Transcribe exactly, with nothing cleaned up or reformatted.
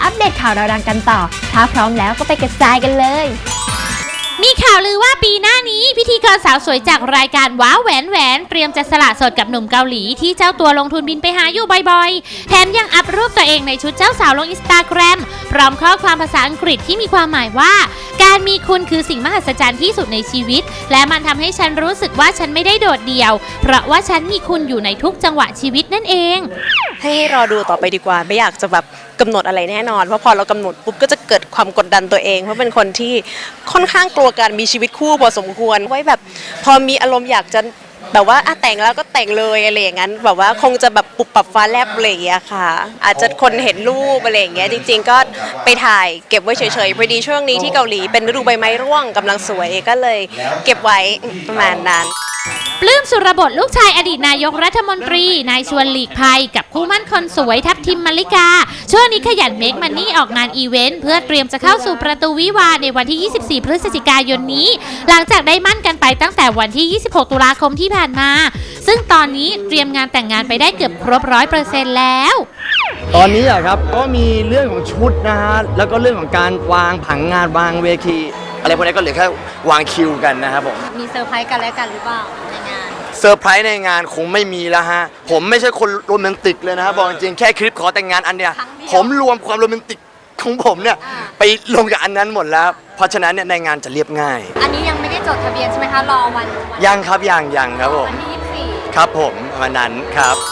อัปเดตข่าวดังกันต่อถ้าพร้อมแล้วก็ไปกระจายกันเลยมีข่าวลือว่าปีหน้านี้พิธีกรสาวสวยจากรายการว้าวแหวนแหวนเตรียมจะสละโสดกับหนุ่มเกาหลีที่เจ้าตัวลงทุนบินไปหาอยู่บ่อยๆแถมยังอัพรูปตัวเองในชุดเจ้าสาวลงอินสตาแกรมพร้อมข้อความภาษาอังกฤษที่มีความหมายว่าการมีคุณคือสิ่งมหัศจรรย์ที่สุดในชีวิตและมันทำให้ฉันรู้สึกว่าฉันไม่ได้โดดเดี่ยวเพราะว่าฉันมีคุณอยู่ในทุกจังหวะชีวิตนั่นเองให้รอดูต่อไปดีกว่าไม่อยากจะแบบกำหนดอะไรแน่นอนเพราะพอเรากำหนดปุ๊บก็จะเกิดความกดดันตัวเองเพราะเป็นคนที่ค่อนข้างกลัวการมีชีวิตคู่พอสมควรไว้แบบพอมีอารมณ์อยากจะแบบว่าอะแต่งแล้วก็แต่งเลยอะไรอย่างนั้นแบบว่าคงจะแบบปุบปับฟ้าแลบอะไรอย่างเงี้ยค่ะอาจจะคนเห็นรูปอะไรอย่างเงี้ยจริงๆก็ไปถ่ายเก็บไว้เฉยๆพอดีช่วงนี้ที่เกาหลีเป็นฤดูใบไม้ร่วงกำลังสวยก็เลยเก็บไว้ประมาณนั้นปลื้มสุรบดลูกชายอดีตนายกรัฐมนตรีนายชวนหลีกภัยกับคู่มั่นคนสวยทัพทิมมาริกาช่วงนี้ขยันเมคมันนี่ออกงานอีเวนต์เพื่อเตรียมจะเข้าสู่ประตูวิวาห์ในวันที่ยี่สิบสี่พฤศจิกายนนี้หลังจากได้มั่นกันไปตั้งแต่วันที่ยี่สิบหกตุลาคมที่ผ่านมาซึ่งตอนนี้เตรียมงานแต่งงานไปได้เกือบครบร้อยเปอร์เซ็นต์แล้วตอนนี้อะครับก็มีเรื่องของชุดนะฮะแล้วก็เรื่องของการวางผังงานวางเวทีอะไรพวกนี้ก็เหลือแค่วางคิวกันนะครับผมมีเซอร์ไพรส์กันแล้วกันหรือเปล่าในงานเซอร์ไพรส์ในงานคงไม่มีแล้วฮะผมไม่ใช่คนโรแมนติกเลยนะครับบอกจริงๆแค่คลิปขอแต่งงานอันเนี้ยผมรวมความโรแมนติกของผมเนี่ยไปลงกับอันนั้นหมดแล้วเพราะฉะนั้นเนี่ยในงานจะเรียบง่ายอันนี้ยังไม่ได้จดทะเบียนใช่ไหมคะรอวันยังครับยังยังครับผมวันที่ยี่สิบสี่ครับผมวันนั้นครับ